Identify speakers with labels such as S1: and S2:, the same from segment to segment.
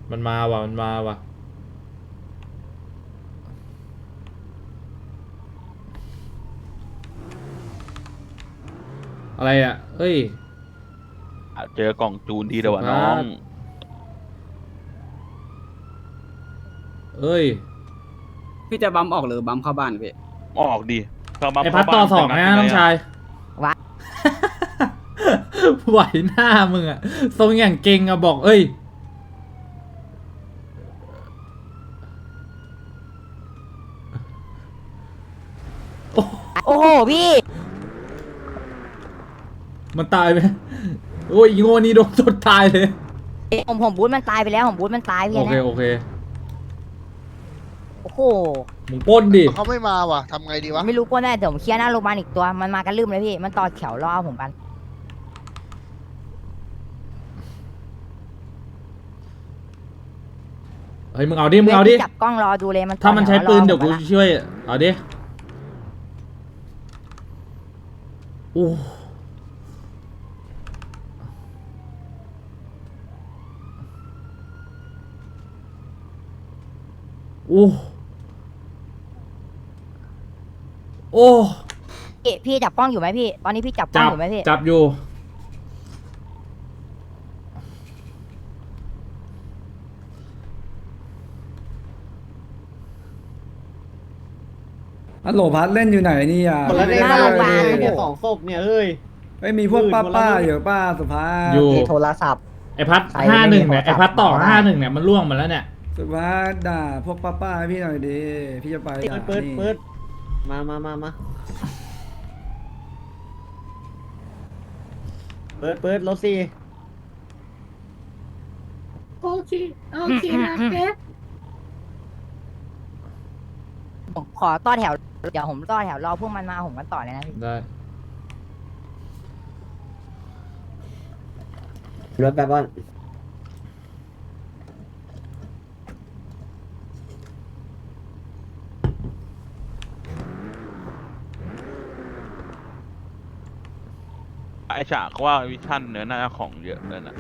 S1: มันมาว่ะมันมาว่ะอะไรอ่ะเฮ้ย
S2: เจอกล่องจูนทีเดียววะน้อง
S1: เอ้ย
S3: พี่จะบัมออกหรือบัมเข้าบ้านพี่
S2: ออกดิเข้ามา
S1: ไอพัดต่อสองนะน้องชาย
S4: วะ
S1: ไหวหน้ามึงอะทรงอย่างเก่งอะบอกเอ้ยโอ้
S4: โอ้โหพี่
S1: มันตายไหมโอ้ยอีโง่นี่โดนจดตายเลย
S4: ผมบูทมันตายไปแล้วผมบูทมันตายพี่
S1: โอเค
S4: นะ
S1: โอเค
S4: โอ้โห
S1: มึงปล้นดิ
S5: เขาไม่มาว่ะทำไงดีวะ
S4: ไม่รู้ปล้นได้เดี๋ยวผมเคลียร์หน้าโรงพยาบาลอีกตัวมันมากันลืมเลยพี่มันต่อแถวรอผมกัน
S1: เฮ้ยมึงเอาดิมึงเอาดิ
S4: จับกล้องรอดูเลยมันต่อ
S1: ถ้ามันใช้
S4: แถวรอ
S1: ปืนเดี๋ยว
S4: ผ
S1: กู
S4: มละ
S1: ช่วยเอาดิโอ้โอ้โอ้
S4: พี่จับกล้องอยู่ไหมพี่ตอนนี้พี่จับกล้องอยู่ไหมพี่
S1: จับอยู่
S6: ฮัลโหลพัดเล่นอยู่ไหนนี่อ่ะ
S7: คนละได้
S4: หน้าโรงพยาบาล
S7: เนี่ยสองศพเนี่ยเฮ้ย
S6: ไม่มีพวกป้าอยู่ป้าสุภาพ
S1: อยู่
S4: โทรศัพท์
S1: ไอพัด
S4: ใคร
S1: 51
S4: ไม่มี
S1: เนี่ย
S4: โทรศัพท์
S1: ไอพัดต่อ
S4: บอกได้
S1: 51เนี่ยมันล่วงมาแล้วเนี่ย
S6: สุภาพด่าพวกป้าให้พี่หน่อยดิพี่จะไปด่า
S7: เปิด
S6: นี่
S7: เปิดมาเปิดรถสี่
S4: ผมขอต่อแถวเดี๋ยวผมต่อแถวรอพวกมันมาผมกันต่อเลยนะพี่
S1: ได้
S7: รถแบบว่า
S2: ไอฉากว่าวิชั่นเนื้อหน้าของเยอะเลยนะ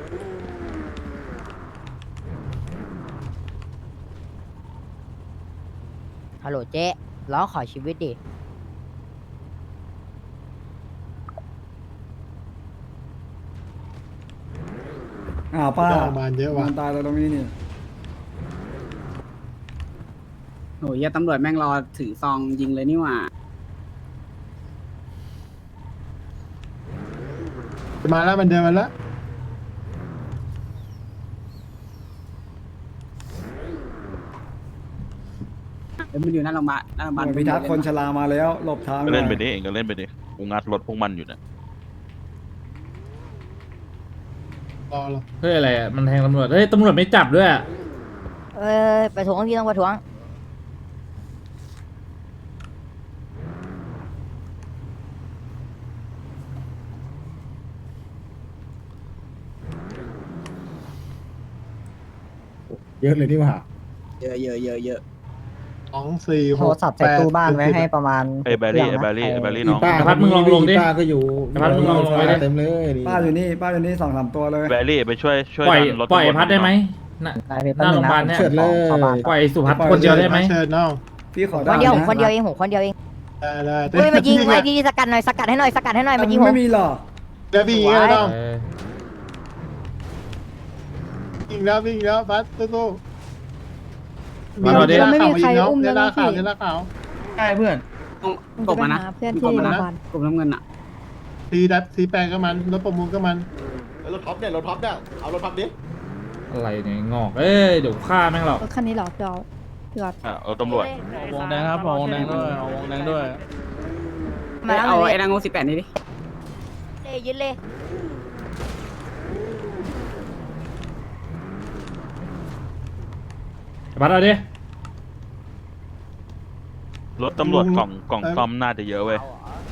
S4: ฮัลโหลเจ๊ล้อขอชีวิตดิ
S6: อ้าวป้า
S7: บานเยอะว่ะ
S6: มันตายแล้วตรงนี้นี่
S3: โอ้ยตำรวจแม่งรอถือซองยิงเลยนี่หว่า
S7: มาแล้วมันเดินมาแล้ว
S3: เดี๋ยวมันอยู่หน้าโรงพยาบาลหน้าโรงพยาบาล
S6: พิทักษ์คนชรามาแล้วหลบทาง
S2: ก็เล่นไป
S6: หอย
S2: ดิเองก็เล่นไปดิกูงัดรถพวกมันอยู่เนี่ย
S7: รอ
S1: เฮ้ยอะไรอ่ะมันแทงตำรวจเฮ้ยตำรวจไม่จับด้วยอะ
S4: ประท้วงพี่ต้องประท้วง
S7: เยอะเลยนี่หว่า
S3: เยอะเยอะเยอะเยอะ
S4: โทรศัพท์ใส่ตู้บ้านไว้ให้ประมาณ
S2: ไอแบรี่ไอแบรี่ไอแบรี่น้อง
S1: ไอพัดมึงลองลงดิ
S7: ป้าก็อยู่
S1: ไอพัดมึงลองลงไปดิ
S7: เต็มเลย
S6: ป้าอยู่นี่2-3ตัวเลย
S2: แบรี่ไปช่วย
S1: ปล่อย
S2: ดันรถ
S1: ปล่อยไอ
S2: ตำรวจ
S1: พัดได้ไหมน่ะ หน้าโรงพยาบาลเนี่ย
S7: เฉิดเลย
S1: ปล่อยไอ้สุพัฒน์คนเดียวได้ไหม
S7: เฉิดน้อง
S6: พี่ขอ
S4: ค
S6: ด่าน
S4: เดียวผม
S6: นะ
S4: คนเดียวเองผมคนเดียวเอง
S7: ได้
S4: เฮ้ยมายิงมายิงสกัดหน่อยสกัดให้หน่อยสกัดให้หน่อยมายิงผม
S6: ไม่มีหรอก
S7: เดี๋ยวพี่ยิงแล้วน้อง
S1: เออ
S7: ยิงแล้วยิงแล้วบัสสู้
S1: มาเราดิ
S7: ไม่มีใครอุ้มแล้วข่าวข่าว
S6: ใช่เพื่อน
S3: กบมานะกบมานะกบน้ำเงินอ่ะ
S7: ทีแปลงก็มันรถประมูลก็มัน
S5: รถท็อปเนี่ยรถท็อปเนี่ยเอารถท็อปดิ
S1: อะไรเนี่ยงอกเอ้ยเดี๋ยวฆ่าแม่งหรอก
S8: รถคันนี้เหรอพี่ออฟพี่ออฟ
S2: เอาตำรวจ
S4: วงแดงครับวงแดงด้วยวงแดงด้วยมาแล้ว
S3: เอา
S4: เลย
S3: ไอ้นางง18นี่ดิ
S4: ยึดเลย
S1: ไอพัดเอาดิ
S2: รถตำรวจกล่องซ่อมน่าจะเยอะเว้ย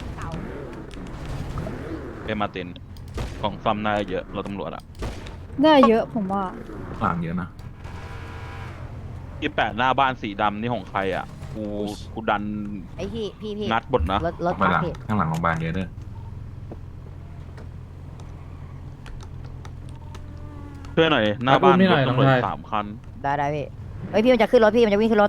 S2: เอมาตินกล่องซ่อมน่าจะเยอะรถตำรวจอะ
S8: ได้เยอะผมว่า
S9: ต่างเยอะนะ
S2: 28หน้าบ้านสีดำนี่ของใครอ่ะกูดัน
S4: ไอ้พี่
S2: งัดบดนะ
S4: รถ
S9: ข้างหลัง
S4: พี่
S9: ข้างหลังโรงพยาบาลเยอะเด้อ
S2: ช่วยหน่อยหน้าบ้าน
S1: อุ้มนี่หน่อย
S2: รถตำรวจ
S1: น้องชาย
S2: 3 คัน
S4: ได้พี่เฮ้ยพี่มันจะขึ้นรถพี่มันจะวิ่งขึ้นรถ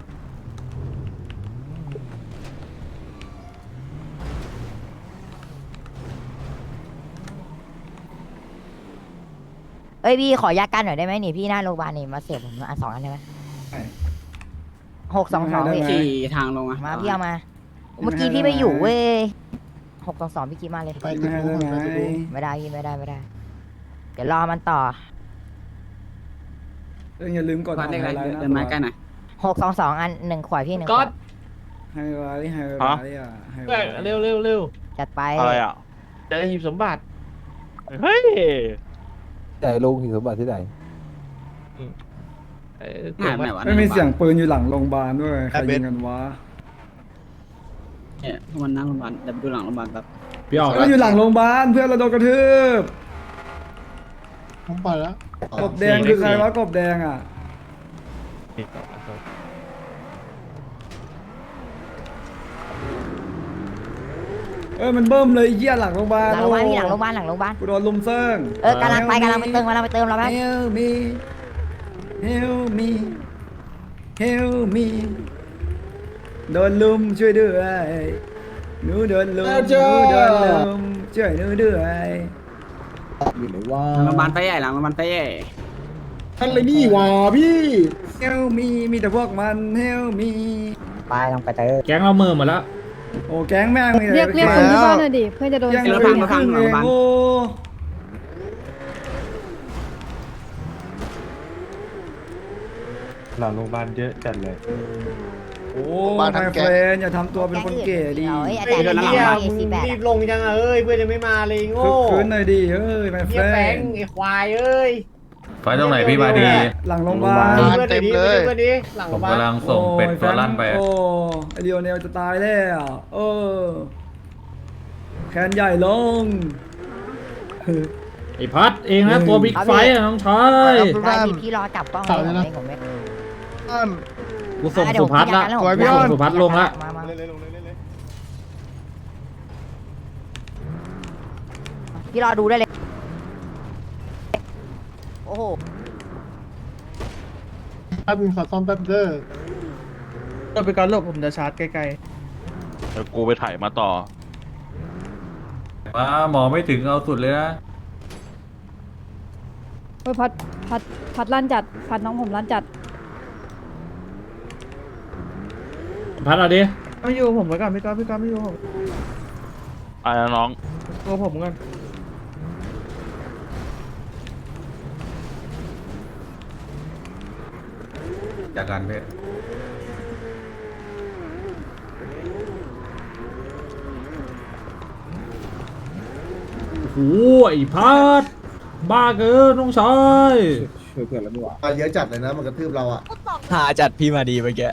S4: เอ้ยพี่ขอยากันหน่อยได้ไหมนี่พี่หน้าโรงพยาบาลนี่มาเสียบผมอัน2 อันได้ไหม
S6: ได้
S4: 622พี่
S3: ขี่ทางลงอะ
S4: มาพี่เอามา เมื่อกี้พี่ไม่อยู่เว้ย622พี่กี้มาเลย
S7: ไปตึก
S6: ไม่
S7: นู้น
S6: ได้
S7: ไป
S6: ไง
S7: ตึกนู้น
S4: ไม่ได้พี่ไม่ได้ เดี๋ยวรอมันต่อ
S6: อย่าลืมกด
S3: วัดเลขอะไร
S6: ไฮลท์นะ
S3: เดินไม้ใกล้หน่อย
S4: 622 อัน1 ขวดพี่1 ขวด
S6: ไฮไลท์ไฮไลท์อ่ะไฮไลท์
S9: เร็วเร็วเร็ว
S4: จัดไป
S2: อะไรอ่ะ
S9: จะได้หีบสมบัติ
S2: เฮ้ย
S10: แต่ลุงหินสมบัติที่ไหน
S3: หายไปไหนวะ
S6: ไม่มีเสียงปืนอยู่หลังโรงพยาบาลด้วยใครยิงกันวะ
S3: เนี่ยพวกมันนั่งโรงพยาบาลเดี๋ยวไปดูหลังโรงพยาบาลแบบ
S1: พี่ออก
S6: ก็อยู่หลังโรงพยาบาลเพื่อนเราโดนกระทืบ
S7: ผมไปแล้ว
S6: กบแดงคือใครวะกบแดงอ่ะมันเบิ่มเลยไอ้เหี้ยหลังโรงพยาบาล
S4: หลังโรงพยาบาลพี่หลังโรงพยาบาล
S6: กูโดนลุมเซิง
S4: กำลังไปเราไปเติมเราแป๊บ
S6: Help me Help me Help me โดนลุมช่วยด้วยหนูโดนลุมหนูโดนลุมช่วยหนูด้วย
S10: อยู่ไหนว่า
S3: หลังโรงพยาบาลไปใหญ่หลังโรงพยาบาลไปใหญ่
S10: ท่านเลยนี่วะพี่
S6: Help me มีแต่พวกมัน Help me
S4: ไปลองไปเติม
S1: แก๊งเราเมินหมดแล้ว
S6: โอ้แก๊งแม่งมี
S8: เรียกคนที่บ้านหน่อยดิเพื่อนจะโดน
S6: ยัง
S8: เสี
S6: เห
S8: ย
S6: ลือ
S8: ง
S6: ครึ่งเองโอ้
S9: หลังโรงพยาบาลเยอะจัดเลย
S6: โอ้ไมเฟรนอย่าทำตัวเป็นคนเก๋ดิ
S4: เฮ้ยอาจารย์นี่48
S9: รีบลงยังเอ้ยเพื่อนยังไม่มาเลยโง่
S6: คึกคืนหน่อยดิเฮ้ยไมเฟ
S9: เฮีย
S6: ร
S9: แฟ
S6: น
S9: งไอ้ควายเอ้ย
S11: ไฟตรงไหนพี่มาดี
S6: หลังโรงพยาบาล
S9: เพื่อนเต็มเลยเพื่อนดิหลัง
S11: ผ
S9: โรง
S11: ม
S9: พยาบาล
S11: กำลังส่งเป็ดตัวลั่นไป
S6: โอ้ไอเดียวเนลจะตายแล้วแขนใหญ่ลง
S1: ไอ้พัดเองนะตัวบิ๊กไฟท์อะน้องชาย
S4: ได้พี่รอจับกล้องเลยผมไม่
S1: กูส่งสุพัฒน์ละกูส่งสุพัฒน์ลงละ
S4: มา
S5: เล่นๆลงเล่นๆเล่น
S4: พี่รอดูได้เลยโอ้โห
S7: แป๊บนึงขอซ่อมแป๊บเด้อ
S9: ก็ไปก่อนหลบผมจะชาร์จใกล้
S2: เดี๋ยวกูไปถ่ายมาต่อ
S11: มาหมอไม่ถึงเอาสุดเลยนะ
S8: โอ้ยพัดลั่นจัดพัดน้องผมลั่นจัด
S1: พัดเอาดิ
S9: ๆไม่อยู่ผมไว้ก่อนพี่ก้อนไม่อยู่ผม
S2: อะไรนะน้อง
S9: ตัวผมก่อน
S11: จากการเพศ
S1: โอ้โหไอ้พัดบ้าเกินน้องชาย
S10: ช่วยเพื่อนแล้วไม่หวา
S5: ๆเยอะจัดเลยนะมันกระทืบเราอ่ะ
S10: หาจัดพี่มาดีเมื่อกี้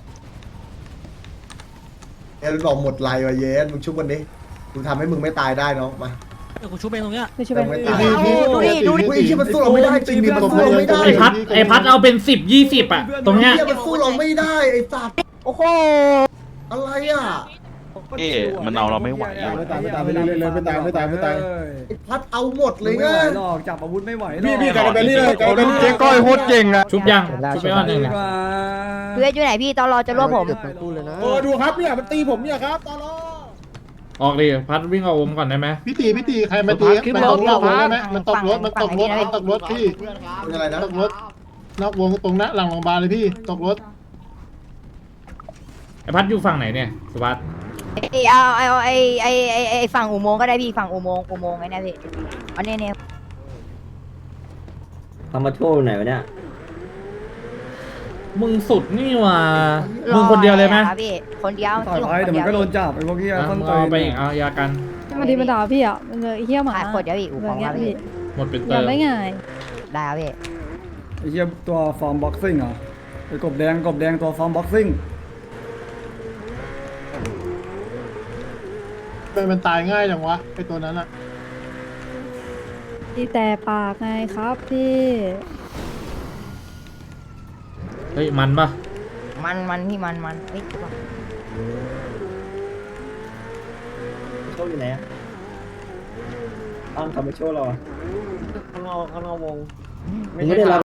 S5: เอ็นบอกหมดไลน์ว่ะเย็นมึงชุบวันนี้กูทำให้มึงไม่ตายได้น้องมา
S8: ไม่ใช่เป็น
S5: ไม่ตาย
S4: ดูดิ
S5: เฮ้ยที่มันสู้เราไม่ได้จริงดิมันสู้เราไม่ได้
S1: ไอ้พัดเอาเป็น10-20อะตรงเนี้ย
S5: เฮียมันสู้เราไม่ได้ไอ้สัตว์
S4: โอ้โห
S5: อะไรอ่ะ
S2: มันเอาเราไม่ไหว
S10: ไม่ตายไม่ตายไม่ตายไม่ตายไม่ตายไม่ตาย
S5: ไอ้พัดเอาหมดเลย
S6: ไม่
S5: ไง
S6: ไหวหรอกจับอาวุธไม่ไหวหรอก
S10: พี่กลายเป็นนี่เลยกลายเป็นเจ๊ก้อยโคตรเก่งอะ
S1: ชุบยังชุบไปก่อนหนึ่ง
S6: ดีกว่า
S4: เพื่อนอยู่ไหนพี่ตอนรอจะรวบผม
S10: โอ้ดูครับเนี่ยมันตีผมเนี่ยครับตลอ
S1: ออกดิพัดวิ่งเอาวงก่อนได้ไหม
S7: พี่ตีใครมาตีมันตกรถได้ไหมมันตกรถพี่
S5: เป็นอะไรนะ
S7: ตกรถนอกวงตรงนั้นหลังโรงพยาบาลเลยพี่ตกรถ
S1: ไอ้พัดอยู่ฝั่งไหนเนี่ยสุพัฒน์
S4: เอาไอ้ฝั่งอุโมงค์ก็ได้พี่ฝั่งอุโมงค์ไอ้นี่พี่อันนี้เนี่ย
S9: ทำมาโชว์ไหนวะเนี่ย
S1: มึงสุดนี่หว่ามึงคนเดียวเลยไหม
S4: พี่คนเดียว
S6: ต่อยไปเดี๋ยวมันก็โดนจับไอ้พวกที่
S1: อ่ะ
S6: ต้น
S1: มึง
S6: ตี
S1: เอาไปอีกเอายากัน
S8: มาดีมาด่าพี่อ่ะมันเลยไอ้เหี้ยหมา
S4: ขายขวดเดียวอีกอู่
S8: เห
S4: ข
S8: มื
S4: อ
S8: อง น
S4: ค
S8: เงี้
S4: รั
S8: ย
S4: บ
S8: พี่
S1: หมดเป็น
S8: อ
S1: เติ
S8: ยาก
S1: ม
S8: ได้ไง
S4: ได้ครับพี่
S6: ไอ้เหี้ยตัวฟอร์มบ็อกซิ่งเหรอไอ้กบแดงตัวฟอร์มบ็อกซิ่ง
S7: มันตายง่ายจังวะไอตัวนั้นอะ
S8: พี่แต่ปากไงครับพี่
S1: เฮ้ยมันปะ
S4: มันพี่มันเฮ้ย
S9: โชว์อยู่ไหนอ่ะอ้าวทำมาโชว์เราข้างนอกวงไม่ได้รับ